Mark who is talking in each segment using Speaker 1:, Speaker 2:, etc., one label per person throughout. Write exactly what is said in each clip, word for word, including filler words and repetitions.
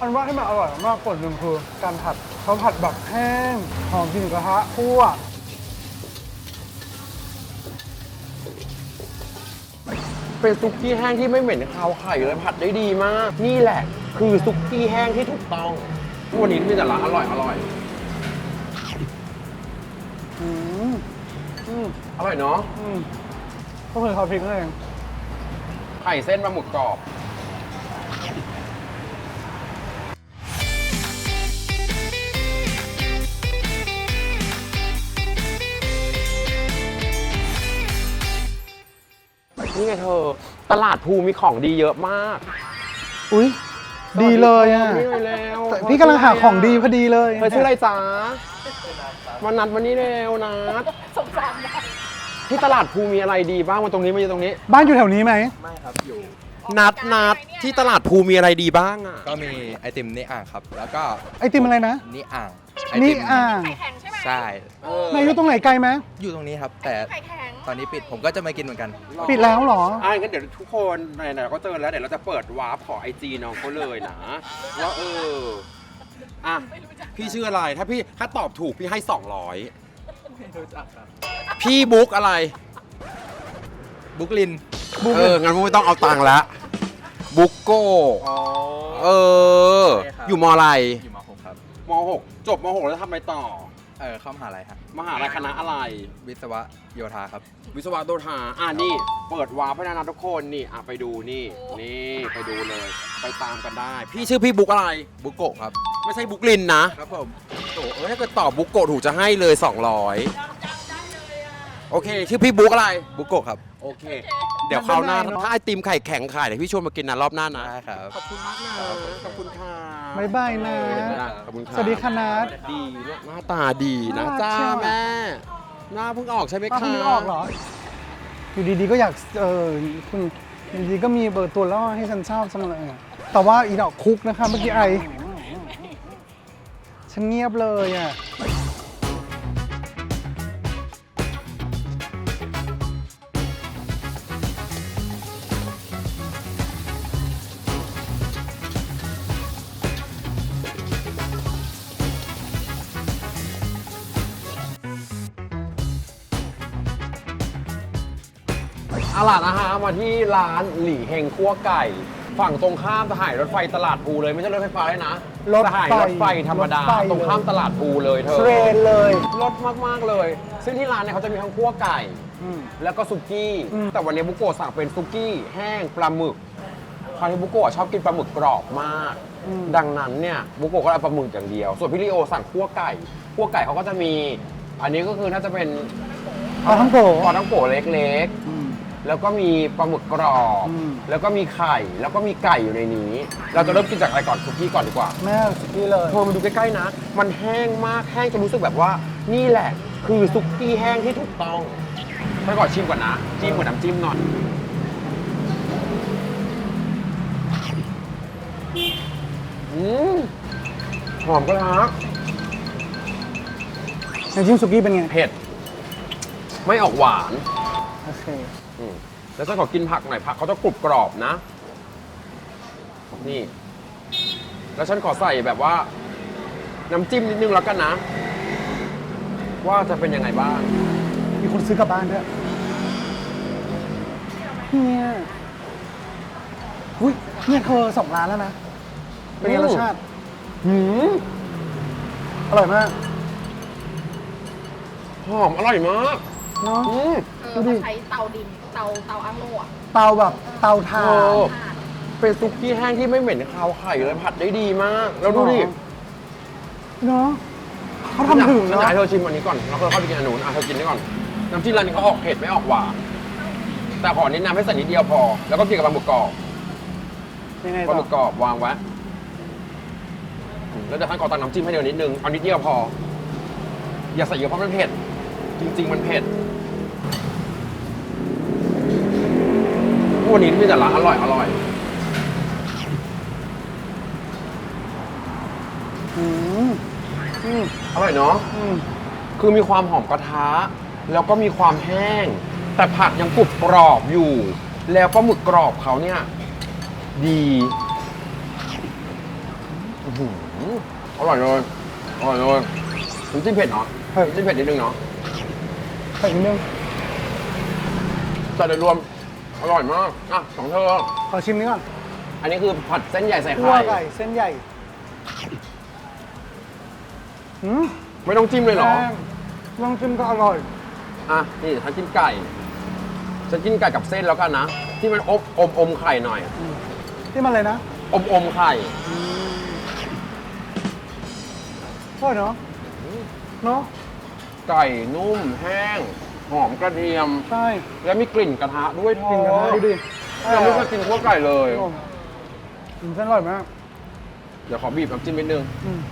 Speaker 1: อันว่าให้มันอร่อยมากกว่าหนึ่งคือการผัดเขาผัดแบบแห้งหอมกลิ่นกระทะคั่ว
Speaker 2: เป็นซุกี้แห้งที่ไม่เหม็นคาวไข่เลยผัดได้ดีมาก นี่แหละ คือซุกี้แห้งที่ถูกต้องวันนี้มีแต่ร้านอร่อยอร่อย
Speaker 1: อืมอืม
Speaker 2: อร่อยเนาะ
Speaker 1: อืมก็คือเขาพริกนั่นเอง
Speaker 2: ไข่เส้นปลาหมึกกรอบนี่ไงเธอ ตลาดภูมีของดีเยอะมาก
Speaker 1: อุ้ยดีเลยอ่ะ
Speaker 2: นี่เลยแล้ว
Speaker 1: แต่พี่กำลังหาของดีพอดีเลย
Speaker 2: เธอชื่ออะไรจ๊ะวันนัดวันนี้เร็วนัด
Speaker 3: สงสารนะ
Speaker 2: ที่ตลาดภูมีอะไรดีบ้างมาตรงนี้มาอยู่ตรงนี้
Speaker 1: บ้านอยู่แถวนี้ไหม
Speaker 4: ไม่ครับอยู่
Speaker 2: นัดนัดที่ตลาดภูมีอะไรดีบ้างอ่ะ
Speaker 4: ก็มีไอติมนี่อ่างครับ แล้วก็
Speaker 1: ไอติมอะไรนะ
Speaker 4: นี่อ่างไอ
Speaker 1: นี่
Speaker 4: ติม
Speaker 1: อ่าง
Speaker 3: ไข่แข็งใช่ไหม
Speaker 4: ใช่
Speaker 2: เออ
Speaker 1: ไหนอยู่ตรงไหนไกลไหม
Speaker 4: อยู่ตรงนี้ครับ แต่
Speaker 3: ไข่แข็ง
Speaker 4: ตอนนี้ปิดผมก็จะมากินเหมือนกัน
Speaker 1: ปิดแล้วเหรอ
Speaker 2: อ่างั้นเดี๋ยวทุกคนไหนๆเราก็เจอแล้วเดี๋ยวเราจะเปิดวาร์ปขอไอจีน้องเขาเลยนะว่าเอออ่ะพี่ชื่ออะไรถ้าพี่ถ้าตอบถูกพี่ให้สองร้อยพี่บุ๊กอะไร
Speaker 4: บุกลิน
Speaker 2: เอองั้นไม่ต้องเอาตังค์ละบุ๊กโก้
Speaker 4: อ๋อ
Speaker 2: เออ
Speaker 4: ใช่ครับ
Speaker 2: อยู่มอะไร
Speaker 4: อยู่ม .หก ครับ
Speaker 2: มหกจบมหกแล้วทำอะไรต่อ
Speaker 4: เออเข้ามหาลัยครับ
Speaker 2: มหาลัยคณะอะไร
Speaker 4: วิศวะโยธาครับ
Speaker 2: วิศวะโยธาอ่านี่ เปิดวาร์ปให้นะทุกคนนี่อ่ะไปดูนี่ นี่ไปดูเลย ไปตามกันได้ พี่ชื่อพี่บุ๊กอะไร
Speaker 4: บุกโกะครับ
Speaker 2: ไม่ใช่บุ๊กลินนะครับ
Speaker 4: ผม
Speaker 2: โอ้เออถ้าเกิดตอบบุ๊กโกะถูกจะให้เลยสองร้อยโอเค ชื่อพี่บุ๊กอะไร
Speaker 4: บุกโกะครับ
Speaker 2: โอเค เดี๋ยวคราวหน้า
Speaker 1: ไม่เป็นไรเนอะ
Speaker 2: ถ้าไอติมไข่แข็งขายเดี๋ยวพี่ชวนมากินนะรอบหน้านะ
Speaker 4: ได้ครับ
Speaker 2: ขอบคุณมากนะ ขอบคุณค่ะ
Speaker 1: บ๊ายบายนะ
Speaker 2: ขอบคุณค่ะ
Speaker 1: สวัสดีค่ะนัท
Speaker 2: ดีหน้าตาดีนะ
Speaker 1: น่ารัก
Speaker 2: จ้า
Speaker 1: เชียว
Speaker 2: แม่ หน้าเพิ่งออกใช่ไหม
Speaker 1: ป้า
Speaker 2: คะ
Speaker 1: เพิ่งนึกออกเหรอ อยู่ดีๆก็อยาก เออคุณอยู่ดีๆก็มีเบอร์ตัวล่อให้ฉันชอบเสมอแต่ว่าอีดอกคุกนะคะเมื่อกี้ไอ ฉันเงียบเลยอ่ะ
Speaker 2: เอาล่ะนะฮะมาที่ร้านหลี่เฮงคั่วไก่ ฝั่งตรงข้ามสถานีรถไฟตลาดภูเลยไม่ใช่รถไฟฟ้าเลยนะ
Speaker 1: รถไฟ
Speaker 2: สถานีรถไฟธรรมดาร
Speaker 1: ถไฟ
Speaker 2: ตรงข้ามตลาดภูเลยเธอ
Speaker 1: เทรนเลย
Speaker 2: รถมากๆเลย ซึ่งที่ร้านเนี่ยเขาจะมีทั้งคั่วไก่
Speaker 1: อืม
Speaker 2: แล้วก็ซุกี้
Speaker 1: อืม
Speaker 2: แต่วันนี้บุโกะสั่งเป็นซุกี้แห้งปลาหมึกคราวนี้บุโกะชอบกินปลาหมึกกรอบมาก ดังนั้นเนี่ยบุโกะก็เอาปลาหมึกอย่างเดียว ส่วนพี่ลิโอสั่งคั่วไก่คั่วไก่เขาก็จะมี อันนี้ก็คือน่าจะเป็น
Speaker 1: เอาทั้งโผ
Speaker 2: ปลาทั้งโกะเล็ก
Speaker 1: อืม
Speaker 2: ๆ แล้วก็มีปลาหมึกกรอบ
Speaker 1: อืม
Speaker 2: แล้วก็มีไข่แล้วก็มีไก่อยู่ในนี้ เราจะเริ่มกินจากอะไรก่อนซุกี้ก่อนดีกว่า
Speaker 1: แม่สุกี้เลย
Speaker 2: พอมาดูใกล้ๆนะ มันแห้งมากแห้งจนรู้สึกแบบว่า นี่แหละ คือซุกี้แห้งที่ถูกต้องไปก่อนชิมก่อนนะจิ้มเหมือนน้ำจิ้มหน่อยอืมหอมกระทะ
Speaker 1: น้ำจิ้มสุกี้เป็นไง
Speaker 2: เผ็ด ไม่ออกหวาน
Speaker 1: โอเค
Speaker 2: อืมแล้วฉันขอกินผักหน่อยผักเขาจะกรุบกรอบนะ นี่ แล้วฉันขอใส่แบบว่า น้ำจิ้มนิดนึงแล้วกันนะ ว่าจะเป็นยังไงบ้าง
Speaker 1: มีคนซื้อกลับบ้านด้วยเนี่ยอุ้ยเนี่ยเธอสองร้านแล้วนะ เป็นไงรสชาติ
Speaker 2: หืม
Speaker 1: อร่อยมาก
Speaker 2: หอมอร่อยมาก
Speaker 1: เนาะ
Speaker 2: อืม
Speaker 3: เออเขาใช้เตาดิน เตาเตาอังโล่อะ
Speaker 1: เตาแบบเตาถ่า
Speaker 2: โอ้
Speaker 1: น
Speaker 3: ถ่าน
Speaker 2: เป็นซุกี้แห้งที่ไม่เหม็นคาวไข่เลยผัดได้ดีมาก แล้วดูดิ
Speaker 1: เนาะเขาทำถึง
Speaker 2: ฉัน
Speaker 1: เนาะ
Speaker 2: อยากให้เธอชิมอันนี้ก่อนแล้วก็เข้าไปกินอันนู้นอ่ะเธอกินนี่ก่อน น้ำจิ้มร้านนี้เขาออกเผ็ดไม่ออกหวาน แต่ขอแนะนำให้ใส่นิดเดียวพอ แล้วก็กินกับปลาหมึกกรอบ
Speaker 1: ยังไง
Speaker 2: ปลาห
Speaker 1: ต่
Speaker 2: มึ
Speaker 1: อก
Speaker 2: กรอบวางไว้อืมแล้วเดี๋ยวท่านขอตักน้ำจิ้มให้เดียวนิดนึง เอานิดเดียวพอ อย่าใส่เยอะเพราะมันเผ็ด จริง ๆ มันเผ็ดวันนี้มีแต่ร้านอร่อยอร่อย
Speaker 1: อืมอืม
Speaker 2: อร่อยเนาะ
Speaker 1: อืม
Speaker 2: คือมีความหอมกระทะ แล้วก็มีความแห้ง แต่ผักยังกรุบกรอบอยู่ แล้วปลาหมึกกรอบเขาเนี่ย ดีอื้อหืออร่อยเลยอร่อยเลยน้ำจิ้มเผ็ดเนาะ
Speaker 1: เผ็ด
Speaker 2: น้ำจิ้มเผ็ดนิดนึงเนาะ
Speaker 1: เผ็ดนิดนึง
Speaker 2: แต่โดยรวมอร่อยมากอ่ะของเธอ
Speaker 1: ขอชิมนี้ก่อน
Speaker 2: อันนี้คือผัดเส้นใหญ่ใส่
Speaker 1: คั่ว
Speaker 2: ไข่
Speaker 1: ไก่เส้นใหญ่อืม
Speaker 2: ไม่ต้องจิ้มเลยเหรอ
Speaker 1: แป้งลองชิมก็อร่อย
Speaker 2: อ่ะ นี่ฉันกินไก่ ฉันกินไก่กับเส้นแล้วกันนะ ที่มันอบอมอมไข่หน่อย
Speaker 1: ที่มันเลยนะ
Speaker 2: อมอมไข่
Speaker 1: อร่อยเนาะเนาะ
Speaker 2: ไก่นุ่มแห้ง หอมกระเทียม
Speaker 1: ใช่
Speaker 2: และมีกลิ่นกระทะด้วยทอ
Speaker 1: กินกันนะดูดิ
Speaker 2: ยังไม่เคยกินคั่วไก่เลย
Speaker 1: อืมเส้นอร่อยมาก
Speaker 2: เดี๋ยวขอบีบน้ำจิ้มนิดนึง
Speaker 1: อืม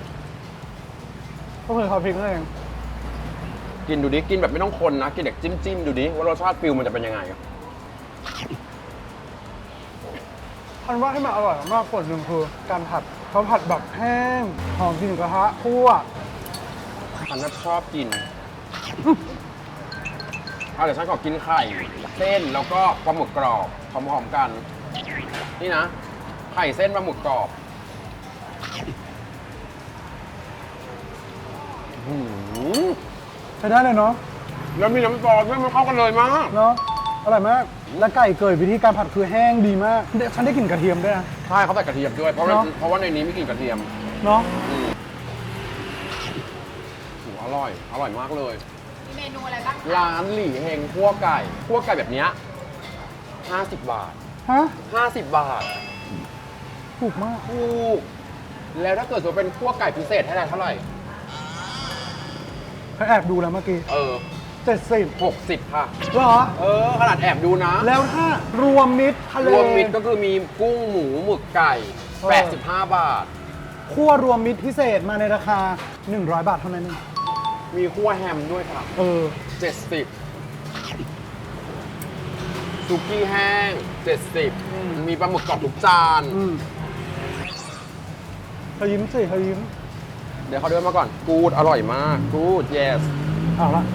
Speaker 1: ก็คือเขาพริกนั่นเอง
Speaker 2: กินดูดิ กินแบบไม่ต้องคนนะ กินแบบจิ้มจิ้มๆดูดิ ว่ารสชาติฟิลมันจะเป็นยังไง
Speaker 1: อันว่าให้มันอร่อยมากส่วนหนึ่งคือการผัดเขาผัดแบบแห้งหอมกลิ่นกระทะคั่ว
Speaker 2: ฉันน่ะชอบกินเอาเดี๋ยวฉันขอกินไข่ เส้นแล้วก็ปลาหมึกกรอบพร้อมๆกัน นี่นะ ไข่เส้นปลาหมึกกรอบอื้อหือ
Speaker 1: ใช้ได้เลยเนาะ
Speaker 2: แล้วมีน้ำซอสด้วยมันเข้ากันเลยมาก
Speaker 1: เนาะอร่อยมาก และไก่เกยวิธีการผัดคือแห้งดีมากเดี๋ยวฉันได้กลิ่นกระเทียมด้วยนะ
Speaker 2: ใช่เขาใส่กระเทียมด้วย เพราะว่า
Speaker 1: เนอะ
Speaker 2: เพราะว่าในนี้มีกลิ่นกระเทียม
Speaker 1: เนาะ
Speaker 2: อืมโหอร่อย อร่อยมากเลย
Speaker 3: มีเมนูอะไรบ้างคะ
Speaker 2: ร้านหลี่เฮงคั่วไก่คั่วไก่แบบเนี้ยห้าสิบบาท
Speaker 1: ฮะ
Speaker 2: ห้าสิบบาท
Speaker 1: ถูกมาก
Speaker 2: ถูกแล้วถ้าเกิดสมมติเป็นคั่วไก่พิเศษให้ได้เท่าไหร่
Speaker 1: เขาแอบดูแล้วเมื่อกี้
Speaker 2: เออ
Speaker 1: เจ็ดสิบ
Speaker 2: หกสิบค่ะ
Speaker 1: เหรอ
Speaker 2: เออ ขนาดแอบดูนะ
Speaker 1: แล้วถ้ารวมมิตรทะเล
Speaker 2: รวมมิตรก็คือมีกุ้งหมูหมึกไก่
Speaker 1: เออ
Speaker 2: แปดสิบห้าบาท
Speaker 1: คั่วรวมมิตรพิเศษมาในราคา หนึ่งร้อย บาทเท่านั้นเอง
Speaker 2: มีคั่วแฮมด้วยค่ะ
Speaker 1: เออ
Speaker 2: เจ็ดสิบซุกี้แห้งเจ็ดสิบ
Speaker 1: อืม
Speaker 2: มีปลาหมึกกรอบทุกจาน
Speaker 1: อืมเธอยิ้มสิเธอยิ้ม
Speaker 2: เดี๋ยวเขาเดินมาก่อน กูดอร่อยมาก กูด yes
Speaker 1: เอาละ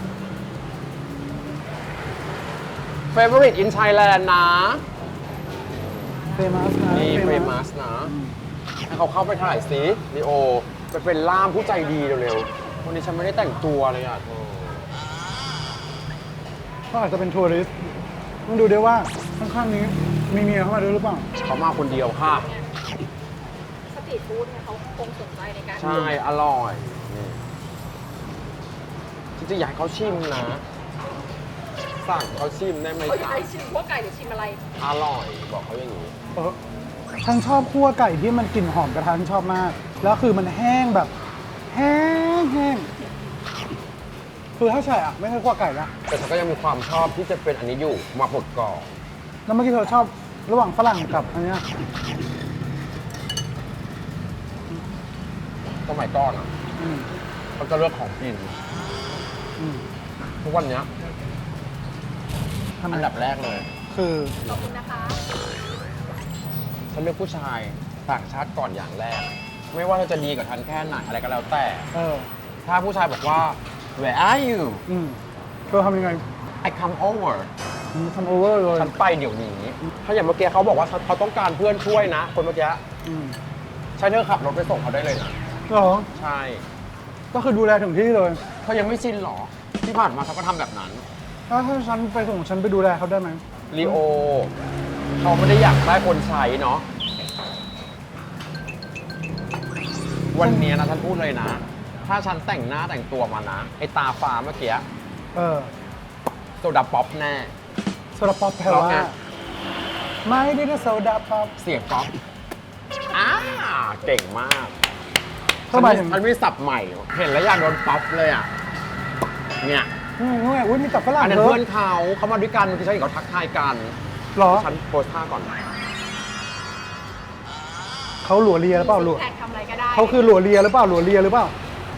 Speaker 2: favorite in Thailand นะ
Speaker 1: เฟมัสนะ
Speaker 2: นี่
Speaker 1: famous
Speaker 2: เฟมัสนะ ให้เขาเข้าไปถ่ายสิลีโอ ไปเป็นล่ามผู้ใจดีเร็วๆ วันนี้ฉันไม่ได้แต่งตัวเลยอ่ะเธอ
Speaker 1: ก็อาจจะเป็นทัวริสต์ต้องดูด้วยว่าข้างๆนี้มีเมียเข้ามาด้วยหรือเปล่า
Speaker 2: เขามาคนเดียวค่ะ
Speaker 3: สตรีทฟู้ดเนี่ยเขาคงสนใจในการ
Speaker 2: ใช่ อร่อยนี่จริงๆอยากให้เขาชิมนะ สั่งเขาชิมได้ไหม
Speaker 3: เขาอยาก
Speaker 2: จ๊ะ
Speaker 3: ให้ชิมว่าไก่หรือชิมอะไร
Speaker 2: อร่อย บอกเขาอย่างนี้
Speaker 1: เออฉันชอบคั่วไก่ที่มันกลิ่นหอมกระทะฉันชอบมาก แล้วคือมันแห้งแบบ แห้งแห้งคือถ้าใช่อ่ะ ไม่ใช่คั่วไก่ละ
Speaker 2: แต่ฉันก็ยังมีความชอบที่จะเป็นอันนี้อยู่มาบดกรอบ
Speaker 1: แล้วเมื่อกี้เธอชอบระหว่างฝรั่งกับอันเนี้ย
Speaker 2: สมัยก่อนอ่ะ
Speaker 1: อืม
Speaker 2: เขาจะเลือกของกิน
Speaker 1: อืม
Speaker 2: ทุกวันเนี้ย
Speaker 1: ทำไม
Speaker 2: อันดับแรกเลย
Speaker 1: คือ
Speaker 3: ขอบคุณนะคะ
Speaker 2: ฉันเลือกผู้ชายต่างชาติก่อนอย่างแรก ไม่ว่าเราจะดีกับฉันแค่ไหนอะไรก็แล้วแต่
Speaker 1: เออ
Speaker 2: ถ้าผู้ชายบอกว่า where are you
Speaker 1: อืมเธอทำยังไง
Speaker 2: I come over
Speaker 1: อืมทำโอเวอร์เลย
Speaker 2: ฉันไปเดี๋ยวนี้ ถ้าอย่างเมื่อกี้เขาบอกว่าเขาต้องการเพื่อนช่วยนะ คนเมื่อกี้
Speaker 1: อืม
Speaker 2: ใช้เธอขับรถไปส่งเขาได้เลยนะ
Speaker 1: เหรอ
Speaker 2: ใช่
Speaker 1: ก็คือดูแลถึงที่เลย
Speaker 2: เขายังไม่ชินหรอ ที่ผ่านมาเขาก็ทำแบบนั้น
Speaker 1: ถ้าถ้าฉันไปส่งฉันไปดูแลเขาได้ไหม
Speaker 2: ลีโอเขาไม่ได้อยากได้คนใช้เนาะวันนี้นะฉันพูดเลยนะ ถ้าฉันแต่งหน้าแต่งตัวมานะ ไอตาฟ้าเมื่อกี้
Speaker 1: เออ
Speaker 2: โซดาป๊อปแน่
Speaker 1: โซดาป๊อปแปล
Speaker 2: เพราะ
Speaker 1: ว่า
Speaker 2: ไง
Speaker 1: ไม่ได้นะโซดาป๊อป
Speaker 2: เสียงป๊อปอ่าเก่งมาก
Speaker 1: ทำไมถึง
Speaker 2: ฉันมีสับใหม่ เห็นแล้วอยากโดนป๊อปเลยอ่ะ เนี่ย
Speaker 1: อืมนี่ไงอุ้ยมีแต่ฝรั่ง
Speaker 2: อันนั้น
Speaker 1: เย
Speaker 2: เพื่อ
Speaker 1: อะ
Speaker 2: นเขาเขามาด้วยกันคือฉันเห็นเขาทักทายกัน
Speaker 1: เหรอ
Speaker 2: ฉันโพสท่าก่อน
Speaker 1: เขาหลัวเลียหรือเปล่าหลัว
Speaker 3: แท็กทำอะไรก็ได้
Speaker 1: เขาคือหลัวเลียหรือเปล่าหลัวเลียหรือเปล่า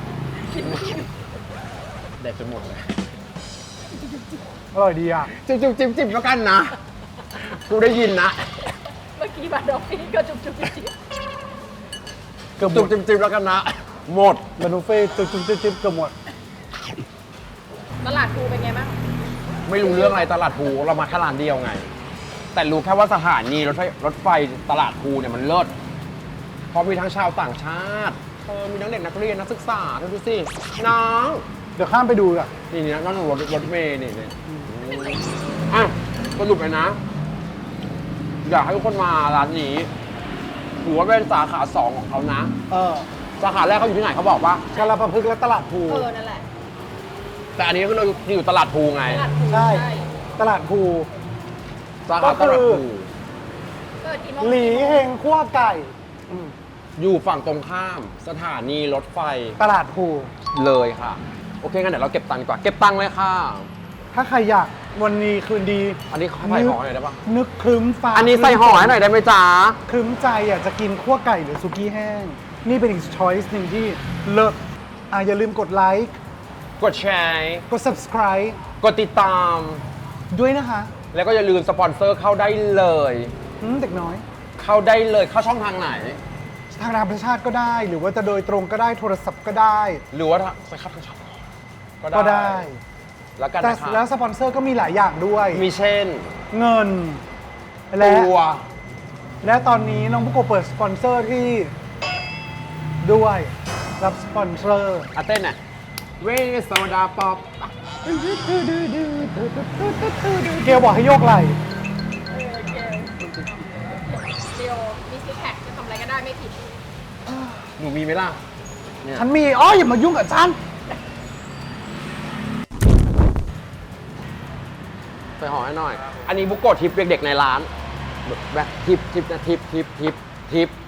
Speaker 2: แดกจนหมดเลย
Speaker 1: อร่อยดีอ่ะ
Speaker 2: จิ้มจิ้มจิ้มจิ้มแล้วกันนะ กูได้ยินนะ
Speaker 3: เมื่อกี้บาดอกฟี่ก็จุ๊บจุ๊บจิ๊บจิ๊บ
Speaker 1: เกือบหม
Speaker 2: จุบ
Speaker 1: ด
Speaker 2: จิ้มจิ้มแล้วกันนะ หมด
Speaker 1: เมนูเฟ่ต์จุ๊บจุ๊บจิ๊บจิ๊บเกือบหมด
Speaker 3: ตลาดภูเป็นไงบ้าง
Speaker 2: ไม่รู้เรื่องอะไรตลาดภูเรามาแค่ร้านเดียวไง แต่รู้แค่ว่าสถานีรถไฟรถไฟตลาดภูเนี่ยมันเลิศเพราะมีทั้งชาวต่างชาติเออมีทั้งเด็กนักเรียนนักศึกษาเธอดูสิน้อง
Speaker 1: เดี๋ยวข้ามไปดูอ่ะ
Speaker 2: นี่นี่นั่งรถรถเมล์นี่นี่อ่ะสรุปเลยนะ อยากให้ทุกคนมาร้านนี้ถือว่าเป็นสาขาสองของเขานะ
Speaker 1: เออ
Speaker 2: สาขาแรกเขาอยู่ที่ไหนเขาบอกว่า
Speaker 1: กาลประพฤกษ์และตลาดภู
Speaker 3: เออ นั่นแหละ
Speaker 2: แต่อันนี้ก็เราอยู่ตลาดภูไง
Speaker 3: ตลาดภู
Speaker 1: ใช่ ตลาดภู
Speaker 2: สาขาตลาดภู
Speaker 3: เปิดกี่โมง
Speaker 1: หลีเฮงคั่วไก่
Speaker 2: อยู่ฝั่งตรงข้ามสถานีรถไฟ
Speaker 1: ตลาดภู
Speaker 2: เลยค่ะ โอเคงั้นเดี๋ยวเราเก็บตังค์ดีกว่า เก็บตังค์เลยค่ะ
Speaker 1: ถ้าใครอยากวันนี้คืนดี
Speaker 2: อันนี้เขาใส่ห่อหน่อยได้ปะ
Speaker 1: นึกครึ้มฟ้า
Speaker 2: อันนี้ใส่ห่อให้หน่อยได้ไหมจ๊ะ
Speaker 1: ครึ้มใจอยากจะกินคั่วไก่หรือซุกี้แห้ง นี่เป็นอีกช้อยส์หนึ่งที่เลิศอ่ะอย่าลืมกดไลค์
Speaker 2: กดแชร์
Speaker 1: กด subscribe
Speaker 2: กดติดตาม
Speaker 1: ด้วยนะคะ
Speaker 2: แล้วก็อย่าลืมสปอนเซอร์เข้าได้เลย
Speaker 1: อืมเด็กน้อย
Speaker 2: เข้าได้เลย เข้าช่องทางไหน
Speaker 1: ทางธรรมชาติก็ได้ หรือว่าจะโดยตรงก็ได้โทรศัพท์ก็ได้
Speaker 2: หรือว่าถ้าไปเข้าทางช่อง
Speaker 1: ก็ได้
Speaker 2: แล้วกัน
Speaker 1: แต่
Speaker 2: นะคะ
Speaker 1: แล้วสปอนเซอร์ก็มีหลายอย่างด้วย
Speaker 2: มีเช่น
Speaker 1: เงิน และ
Speaker 2: ตัว
Speaker 1: และตอนนี้น้องบุโกะเปิดสปอนเซอร์ที่ด้วยรับสปอนเซอร์
Speaker 2: อาเต้นน่ะเวสโซดาป๊อป
Speaker 1: เกลบอกให้โยกไหล่
Speaker 3: เออเกลเดียวมีซิกแพคจะทำอะไรก็ได้ไม่ผิด
Speaker 2: หนูมีไหมล่ะเนี่ย
Speaker 1: ฉันมีอ๋ออย่ามายุ่งกับฉัน
Speaker 2: ใส่ห่อให้หน่อย อันนี้บุกโกะทิปเด็กๆในร้านแบบทิปทิปนะทิปทิปทิปทิป